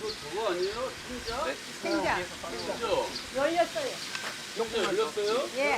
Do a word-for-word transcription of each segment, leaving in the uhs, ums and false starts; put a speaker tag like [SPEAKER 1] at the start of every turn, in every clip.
[SPEAKER 1] 저거 아니에요? 생자? 네.
[SPEAKER 2] 생자.
[SPEAKER 1] 그죠?
[SPEAKER 2] 열렸어요.
[SPEAKER 1] 진짜 열렸어요?
[SPEAKER 2] 예.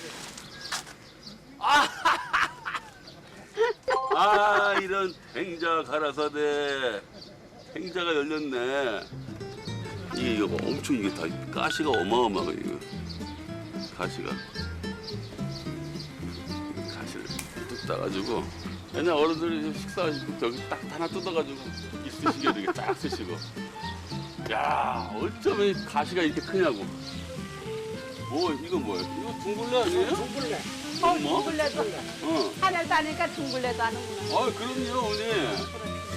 [SPEAKER 1] 아, 이런 행자 가라사대. 행자가 열렸네. 이게 이거 엄청 이게 다 가시가 어마어마해 이거. 가시가. 가시를 뚝 따가지고 옛날 어른들이 식사하실 때 저기 딱 하나 뜯어가지고 있으시게 이렇게 딱 쓰시고. 야, 어쩌면 이 가시가 이렇게 크냐고. 뭐 이건 뭐예요? 이거 둥글레 아니에요?
[SPEAKER 3] 둥글레.
[SPEAKER 2] 어,
[SPEAKER 1] 뭐?
[SPEAKER 2] 둥글레도.
[SPEAKER 1] 어.
[SPEAKER 2] 하늘 다니까 둥글레도 하는구나.
[SPEAKER 1] 아, 그럼요, 어머니.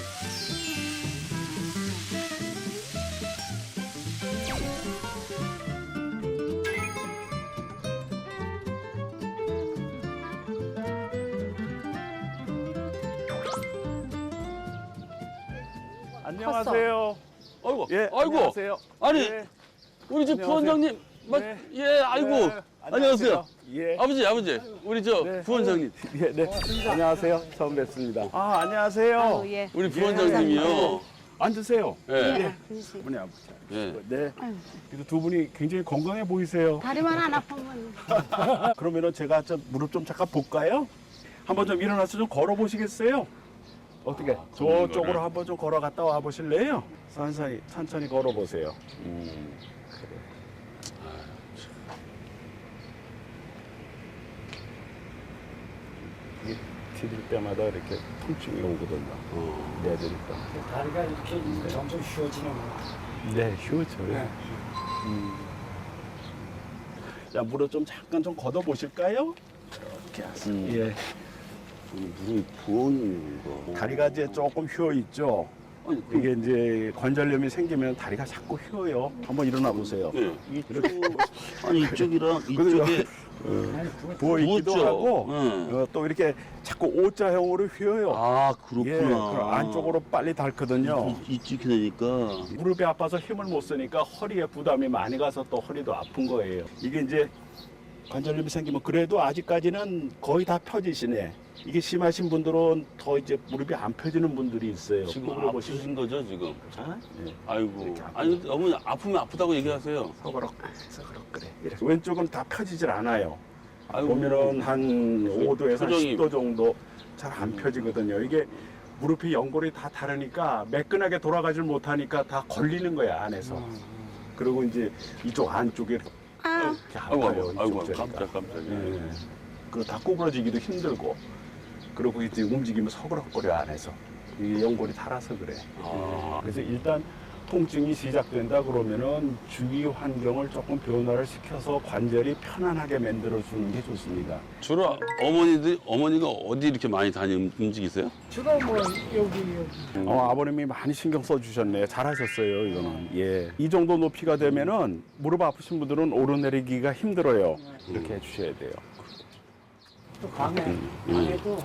[SPEAKER 4] 안녕하세요.
[SPEAKER 1] 아이고,
[SPEAKER 4] 예,
[SPEAKER 1] 아이고.
[SPEAKER 4] 안녕하세요.
[SPEAKER 1] 아니,
[SPEAKER 4] 예,
[SPEAKER 1] 우리 집
[SPEAKER 4] 안녕하세요.
[SPEAKER 1] 부원장님, 맞,
[SPEAKER 4] 네.
[SPEAKER 1] 예, 아이고,
[SPEAKER 4] 네,
[SPEAKER 1] 안녕하세요.
[SPEAKER 4] 예.
[SPEAKER 1] 아버지, 아버지, 우리 저
[SPEAKER 4] 네.
[SPEAKER 1] 부원장님,
[SPEAKER 4] 예, 네. 안녕하세요. 처음 뵙습니다. 아, 안녕하세요.
[SPEAKER 2] 아유, 예.
[SPEAKER 1] 우리 부원장님이요.
[SPEAKER 4] 앉으세요.
[SPEAKER 1] 예,
[SPEAKER 2] 예. 그렇지.
[SPEAKER 4] 어머니 아버지.
[SPEAKER 1] 예.
[SPEAKER 4] 네.
[SPEAKER 2] 아유,
[SPEAKER 4] 그래도 두 분이 굉장히 건강해 보이세요.
[SPEAKER 2] 다리만 안 아프면.
[SPEAKER 4] 그러면은 제가 좀 무릎 좀 잠깐 볼까요? 한번 좀 일어나서 좀 걸어 보시겠어요? 어떻게?
[SPEAKER 1] 아, 걷는
[SPEAKER 4] 저쪽으로
[SPEAKER 1] 거를?
[SPEAKER 4] 한번 좀 걸어갔다 와 보실래요? 천천히 천천히 걸어 보세요.
[SPEAKER 1] 음,
[SPEAKER 4] 이게 디딜 때마다 이렇게 통증이 오거든요.
[SPEAKER 1] 어.
[SPEAKER 4] 내드니까.
[SPEAKER 3] 다리가 이렇게 점점 휘어지는 거.
[SPEAKER 4] 네, 휴죠.
[SPEAKER 3] 네.
[SPEAKER 4] 자, 무릎 좀 잠깐 좀 걷어 보실까요? 이렇게 하세요.
[SPEAKER 1] 음.
[SPEAKER 4] 예.
[SPEAKER 1] 우리 무릎이 부은 거.
[SPEAKER 4] 다리가 이제 조금 휘어 있죠.
[SPEAKER 1] 아니, 그,
[SPEAKER 4] 이게 이제 관절염이 생기면 다리가 자꾸 휘어요. 한번 일어나 보세요.
[SPEAKER 1] 예.
[SPEAKER 4] 이쪽,
[SPEAKER 1] 아니, 이쪽이랑 이쪽에
[SPEAKER 4] 부어 있기도
[SPEAKER 1] 부었죠.
[SPEAKER 4] 하고
[SPEAKER 1] 응.
[SPEAKER 4] 어, 또 이렇게 자꾸 O자형으로 휘어요.
[SPEAKER 1] 아,
[SPEAKER 4] 예,
[SPEAKER 1] 그렇구나.
[SPEAKER 4] 그럼 안쪽으로 빨리 닳거든요.
[SPEAKER 1] 이, 이쪽이 되니까.
[SPEAKER 4] 무릎이 아파서 힘을 못 쓰니까 허리에 부담이 많이 가서 또 허리도 아픈 거예요. 이게 이제 관절염이 생기면 그래도 아직까지는 거의 다 펴지시네. 이게 심하신 분들은 더 이제 무릎이 안 펴지는 분들이 있어요.
[SPEAKER 1] 지금
[SPEAKER 4] 그걸 보시면
[SPEAKER 1] 아프신 거죠, 지금?
[SPEAKER 4] 아, 예.
[SPEAKER 1] 아이고.
[SPEAKER 4] 이렇게 아프죠.
[SPEAKER 1] 아니, 어머니 아프면 아프다고 얘기하세요.
[SPEAKER 4] 서그럭 서그럭 그래. 이렇게. 왼쪽은 다 펴지질 않아요.
[SPEAKER 1] 아이고.
[SPEAKER 4] 보면은 한 오 도에서
[SPEAKER 1] 표정이-
[SPEAKER 4] 십 도 정도 잘 안 펴지거든요. 이게 무릎이 연골이 다 다르니까 매끈하게 돌아가질 못하니까 다 걸리는 거야 안에서. 그리고 이제 이쪽 안쪽에 이렇게
[SPEAKER 2] 아,
[SPEAKER 1] 아이고,
[SPEAKER 4] 아파요.
[SPEAKER 1] 아이고, 아이고,
[SPEAKER 4] 이쪽
[SPEAKER 1] 깜짝,
[SPEAKER 4] 저리가.
[SPEAKER 1] 깜짝이야.
[SPEAKER 4] 예. 그리고 다 구부러지기도 힘들고. 그리고 이제 움직이면 서그럭거려 안에서. 이 연골이 닳아서 그래.
[SPEAKER 1] 아.
[SPEAKER 4] 그래서 일단 통증이 시작된다 그러면은 주위 환경을 조금 변화를 시켜서 관절이 편안하게 만들어 주는 게 좋습니다.
[SPEAKER 1] 주로 어머니들, 어머니가 어디 이렇게 많이 다니 움직이세요?
[SPEAKER 3] 주로 뭐 여기 여기.
[SPEAKER 4] 어, 아버님이 많이 신경 써 주셨네요. 잘하셨어요, 이거는. 예. 이 정도 높이가 되면은 무릎 아프신 분들은 오르내리기가 힘들어요. 이렇게 해 주셔야 돼요.
[SPEAKER 3] 또 방에 방에도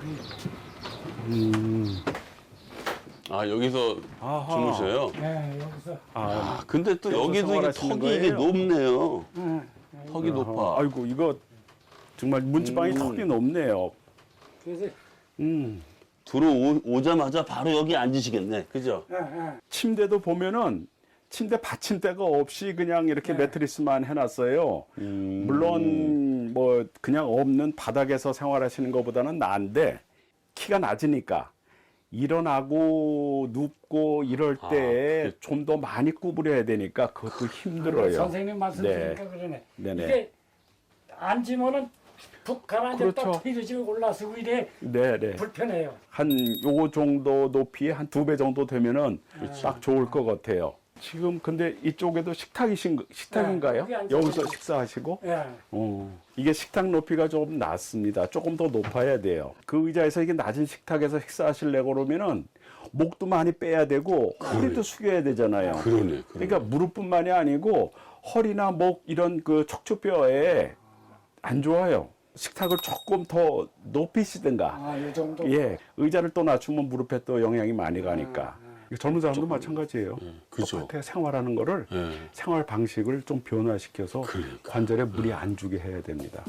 [SPEAKER 4] 음.
[SPEAKER 1] 아, 여기서
[SPEAKER 4] 아하.
[SPEAKER 1] 주무셔요?
[SPEAKER 3] 네 여기서
[SPEAKER 4] 아,
[SPEAKER 1] 아, 근데 또
[SPEAKER 4] 여기서
[SPEAKER 1] 여기도 이게
[SPEAKER 4] 생활하시는
[SPEAKER 1] 턱이 이게
[SPEAKER 4] 거예요?
[SPEAKER 1] 높네요.
[SPEAKER 3] 네.
[SPEAKER 1] 턱이 높아.
[SPEAKER 4] 아이고, 이거 정말 문지방이
[SPEAKER 1] 음.
[SPEAKER 4] 턱이 높네요.
[SPEAKER 3] 그래서
[SPEAKER 4] 음.
[SPEAKER 1] 들어오자마자 바로 여기 앉으시겠네. 그죠?
[SPEAKER 3] 예, 예.
[SPEAKER 4] 침대도 보면은 침대 받침대가 없이 그냥 이렇게 매트리스만 해놨어요.
[SPEAKER 1] 음.
[SPEAKER 4] 물론 뭐 그냥 없는 바닥에서 생활하시는 것보다는 나은데 키가 낮으니까 일어나고 눕고 이럴
[SPEAKER 1] 아,
[SPEAKER 4] 때
[SPEAKER 1] 그게-
[SPEAKER 4] 좀 더 많이 구부려야 되니까 그것도 힘들어요.
[SPEAKER 3] 선생님 말씀
[SPEAKER 4] 네.
[SPEAKER 3] 드리니까 그러네.
[SPEAKER 4] 네네.
[SPEAKER 3] 이게 앉으면은 푹 가라앉았다
[SPEAKER 4] 그렇죠.
[SPEAKER 3] 뒤로 올라서고 이래
[SPEAKER 4] 네네.
[SPEAKER 3] 불편해요.
[SPEAKER 4] 한 요거 정도 높이 한 두 배 정도 되면은 딱 좋을 것 같아요. 지금 근데 이쪽에도 식탁이신 식탁인가요?
[SPEAKER 3] 네, 여기 앉아서
[SPEAKER 4] 여기서 식사하시고?
[SPEAKER 3] 예.
[SPEAKER 4] 어, 이게 식탁 높이가 좀 낮습니다. 조금 더 높아야 돼요. 그 의자에서 이게 낮은 식탁에서 식사하시려고 그러면은 목도 많이 빼야 되고 허리도 숙여야 되잖아요.
[SPEAKER 1] 그러네. 그러네.
[SPEAKER 4] 그러니까 무릎뿐만이 아니고 허리나 목 이런 그 척추뼈에 안 좋아요. 식탁을 조금 더 높이시든가.
[SPEAKER 3] 아, 이 정도.
[SPEAKER 4] 예, 의자를 또 낮추면 무릎에 또 영향이 많이 가니까. 이거 젊은 사람도 마찬가지예요.
[SPEAKER 1] 그죠.
[SPEAKER 4] 똑같아요. 생활하는 거를
[SPEAKER 1] 예.
[SPEAKER 4] 생활 방식을 좀 변화시켜서
[SPEAKER 1] 그러니까.
[SPEAKER 4] 관절에 무리 안 주게 해야 됩니다.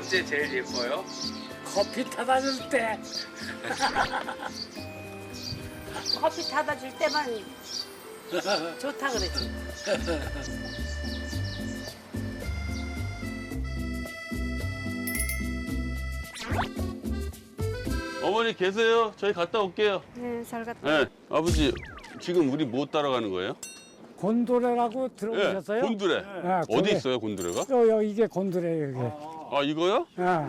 [SPEAKER 5] 언제 제일 예뻐요?
[SPEAKER 3] 커피 타다 줄 때.
[SPEAKER 2] 커피 타다 줄 때만 좋다 그러지.
[SPEAKER 1] 어머니 계세요? 저희 갔다 올게요.
[SPEAKER 2] 네, 잘 갔다.
[SPEAKER 1] 네, 아버지 지금 우리 뭐 따라가는 거예요?
[SPEAKER 3] 곤도레라고
[SPEAKER 1] 네,
[SPEAKER 3] 들어보셨어요?
[SPEAKER 1] 곤드레.
[SPEAKER 3] 아,
[SPEAKER 1] 어디
[SPEAKER 3] 저게-
[SPEAKER 1] 있어요, 곤드레가?
[SPEAKER 3] 요, 요, 이게 곤도레예요, 이게.
[SPEAKER 1] 아, 이거요?
[SPEAKER 3] 아.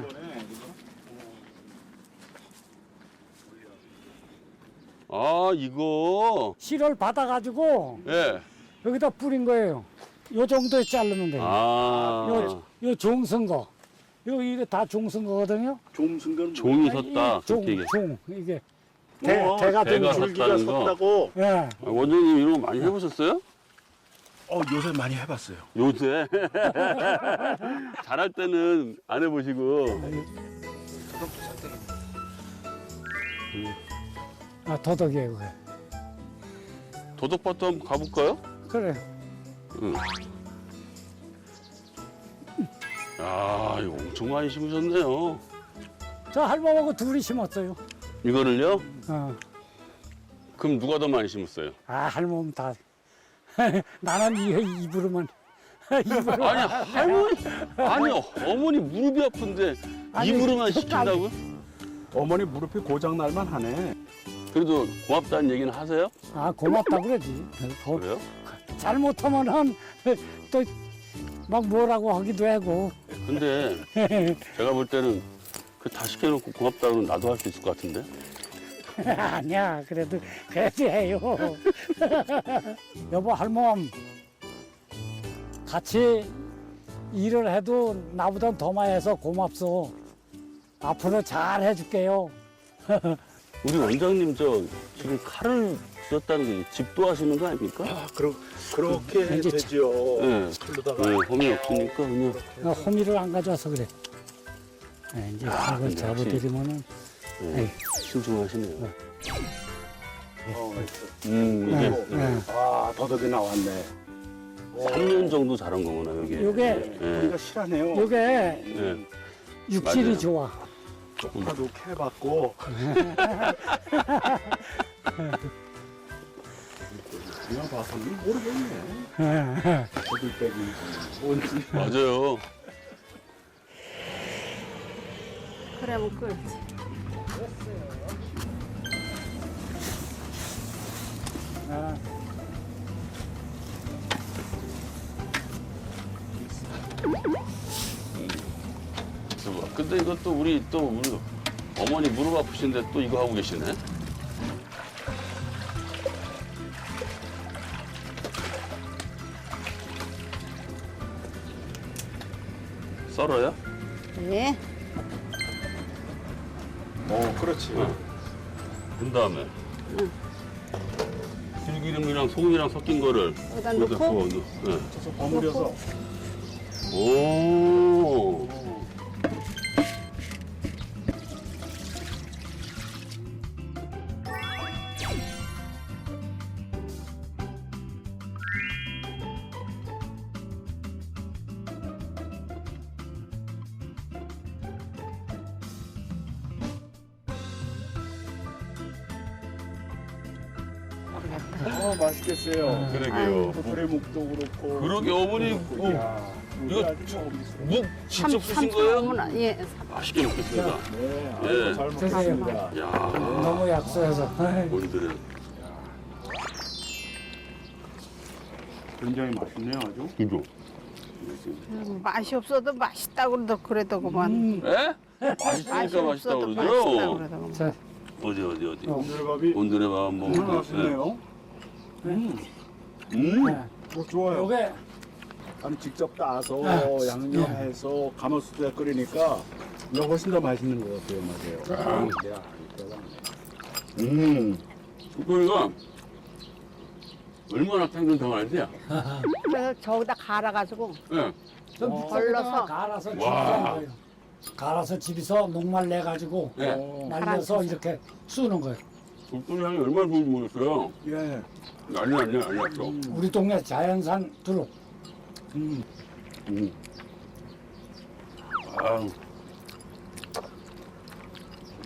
[SPEAKER 1] 아, 이거.
[SPEAKER 3] 실을 받아가지고
[SPEAKER 1] 예.
[SPEAKER 3] 여기다 뿌린 거예요. 요 정도에 자르면 돼요.
[SPEAKER 1] 아,
[SPEAKER 3] 요, 요 종선 거. 요, 이게 다 종선 거거든요.
[SPEAKER 4] 종승근
[SPEAKER 1] 종이
[SPEAKER 3] 아,
[SPEAKER 1] 섰다.
[SPEAKER 3] 이 종,
[SPEAKER 1] 그렇게 얘기해.
[SPEAKER 3] 종, 이게. 대,
[SPEAKER 4] 어,
[SPEAKER 3] 대가 된
[SPEAKER 1] 대가
[SPEAKER 3] 줄.
[SPEAKER 1] 섰-
[SPEAKER 4] 줄기가
[SPEAKER 1] 섰다는 거?
[SPEAKER 4] 섰다고.
[SPEAKER 3] 예.
[SPEAKER 1] 아, 원장님 이런 거 많이 해보셨어요?
[SPEAKER 4] 어 요새 많이 해봤어요.
[SPEAKER 1] 요새. 잘할 때는 안 해보시고.
[SPEAKER 3] 아, 도덕이에요, 그게.
[SPEAKER 1] 도덕밭도 한번 가볼까요?
[SPEAKER 3] 그래.
[SPEAKER 1] 응. 야, 이거 엄청 많이 심으셨네요.
[SPEAKER 3] 저 할머니하고 둘이 심었어요.
[SPEAKER 1] 이거를요?
[SPEAKER 3] 어.
[SPEAKER 1] 그럼 누가 더 많이 심었어요?
[SPEAKER 3] 아, 할머니 다. 나는 이, 입으로만. 입으로.
[SPEAKER 1] 아니, 할머니, 아니, 어머니 무릎이 아픈데
[SPEAKER 3] 아니,
[SPEAKER 1] 입으로만
[SPEAKER 3] 저
[SPEAKER 1] 시킨다고?
[SPEAKER 4] 어머니 무릎이 고장 날만 하네.
[SPEAKER 1] 그래도 고맙다는 얘기는 하세요?
[SPEAKER 3] 아, 고맙다 그러지. 더
[SPEAKER 1] 그래요?
[SPEAKER 3] 잘못하면은 또 막 뭐라고 하기도 하고.
[SPEAKER 1] 근데 제가 볼 때는 그 다 시켜놓고 고맙다고는 나도 할 수 있을 것 같은데?
[SPEAKER 3] 아니야, 그래도 그래도 해요. 여보, 할멈 같이 일을 해도 나보다 더 많이 해서 고맙소. 앞으로 잘 해줄게요.
[SPEAKER 1] 우리 원장님 저 지금 칼을 썼다는 게 집도 하시는 거 아닙니까?
[SPEAKER 4] 아 그러, 그렇게
[SPEAKER 3] 이제
[SPEAKER 4] 되죠.
[SPEAKER 1] 네.
[SPEAKER 4] 그러다가
[SPEAKER 1] 네, 홈이 없으니까 그냥
[SPEAKER 3] 나 호미를 안 가져와서 그래. 네, 이제
[SPEAKER 1] 아,
[SPEAKER 3] 이걸
[SPEAKER 1] 근데
[SPEAKER 3] 잡아드리면은
[SPEAKER 1] 네, 신중하시네요.
[SPEAKER 4] 어, 맛있어.
[SPEAKER 1] 음, 이게
[SPEAKER 3] 네, 네.
[SPEAKER 4] 아 더덕이 나왔네.
[SPEAKER 1] 삼 년 정도 자란 거구나, 여기.
[SPEAKER 3] 요게
[SPEAKER 1] 예.
[SPEAKER 4] 우리가 실하네요.
[SPEAKER 3] 요게
[SPEAKER 1] 예.
[SPEAKER 3] 육질이
[SPEAKER 1] 맞아요.
[SPEAKER 3] 좋아.
[SPEAKER 4] 쪽파도 캐봤고. 그냥 봐서는 모르겠네. 거들빼기 뭔지.
[SPEAKER 1] 맞아요.
[SPEAKER 2] 그러면 끓지.
[SPEAKER 3] 아,
[SPEAKER 1] 그래서 근데 이것도 우리 또 우리 어머니 무릎 아프신데 또 이거 하고 계시네. 썰어요?
[SPEAKER 2] 네.
[SPEAKER 4] 어 그렇지.
[SPEAKER 1] 그 다음에 들기름이랑 소금이랑 섞인 거를
[SPEAKER 2] 여기다
[SPEAKER 1] 여기다
[SPEAKER 2] 넣고
[SPEAKER 1] 부어 넣어. 네.
[SPEAKER 4] 그래서 버무려서.
[SPEAKER 1] 오.
[SPEAKER 4] 어 맛있겠어요.
[SPEAKER 1] 그러게요.
[SPEAKER 4] 도토리묵도 그렇고.
[SPEAKER 1] 그러게 어머니 뭐,
[SPEAKER 4] 야,
[SPEAKER 1] 이거
[SPEAKER 4] 이거 아주 좀
[SPEAKER 1] 묵 직접 쓰신
[SPEAKER 2] 삼-
[SPEAKER 1] 거예요?
[SPEAKER 2] 삼촌 예.
[SPEAKER 1] 맛있게 먹겠습니다.
[SPEAKER 4] 네,
[SPEAKER 1] 예.
[SPEAKER 4] 아이고 잘 먹겠습니다.
[SPEAKER 1] 야,
[SPEAKER 3] 너무 약소해서. 아이,
[SPEAKER 1] 오늘은
[SPEAKER 4] 굉장히 맛있네요, 아주.
[SPEAKER 1] 이거.
[SPEAKER 2] 음, 맛이 없어도 맛있다 그러더 그래도 그만.
[SPEAKER 3] 음,
[SPEAKER 1] 에?
[SPEAKER 2] 맛이
[SPEAKER 1] 맛있으니까 맛있다
[SPEAKER 2] 없어도 맛있다
[SPEAKER 1] 그러죠.
[SPEAKER 2] 그래도 그만.
[SPEAKER 3] 자,
[SPEAKER 1] 어디 어디 어디.
[SPEAKER 4] 오늘밥이
[SPEAKER 1] 오늘의 밥 한번
[SPEAKER 4] 정말
[SPEAKER 1] 먹어요.
[SPEAKER 4] 맛있네요. 음,
[SPEAKER 1] 음.
[SPEAKER 3] 네.
[SPEAKER 4] 어, 좋아요.
[SPEAKER 3] 요게
[SPEAKER 4] 아니 직접 따서
[SPEAKER 3] 아,
[SPEAKER 4] 양념해서 가마솥에 끓이니까 이거 훨씬 더 맛있는 것 같아요, 맞아요. 아, 야, 이거
[SPEAKER 1] 음. 이거가 얼마나 탱글탱글한지.
[SPEAKER 2] 그래서 저기다 갈아가지고
[SPEAKER 1] 예.
[SPEAKER 3] 좀
[SPEAKER 2] 어.
[SPEAKER 3] 걸러서 갈아서 집에서
[SPEAKER 1] 와.
[SPEAKER 3] 하는 거예요. 갈아서 집에서 녹말 내 가지고
[SPEAKER 1] 예.
[SPEAKER 4] 어,
[SPEAKER 3] 말려서 이렇게 쓰는 거예요.
[SPEAKER 1] 국도리 향이 얼마나 좋은지 모르겠어요.
[SPEAKER 4] 예.
[SPEAKER 1] 난리 났네, 난리 났어.
[SPEAKER 3] 우리 동네 자연산 두릅.
[SPEAKER 4] 음.
[SPEAKER 1] 음. 아유,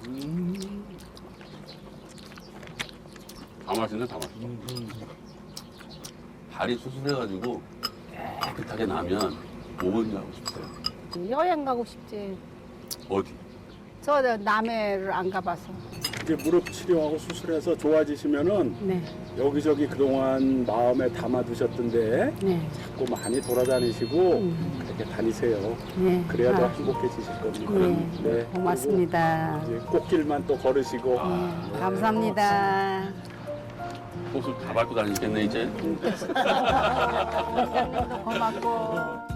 [SPEAKER 1] 음. 다 맛있네, 다 맛있어. 발이 수술해가지고 깨끗하게 나면 뭐 하고 싶어요?
[SPEAKER 2] 여행 가고 싶지.
[SPEAKER 1] 어디?
[SPEAKER 2] 저 남해를 안 가봐서.
[SPEAKER 4] 이제 무릎 치료하고 수술해서 좋아지시면은
[SPEAKER 2] 네,
[SPEAKER 4] 여기저기 그동안 마음에 담아두셨던데
[SPEAKER 2] 네,
[SPEAKER 4] 자꾸 많이 돌아다니시고
[SPEAKER 2] 음.
[SPEAKER 4] 그렇게 다니세요.
[SPEAKER 2] 네.
[SPEAKER 4] 그래야 더
[SPEAKER 2] 아,
[SPEAKER 4] 행복해지실 겁니다.
[SPEAKER 2] 네,
[SPEAKER 4] 네.
[SPEAKER 2] 고맙습니다.
[SPEAKER 4] 그리고 이제 꽃길만 또 걸으시고
[SPEAKER 2] 네, 감사합니다.
[SPEAKER 1] 꽃을 다 밟고 다니겠네, 이제.
[SPEAKER 2] 고맙고.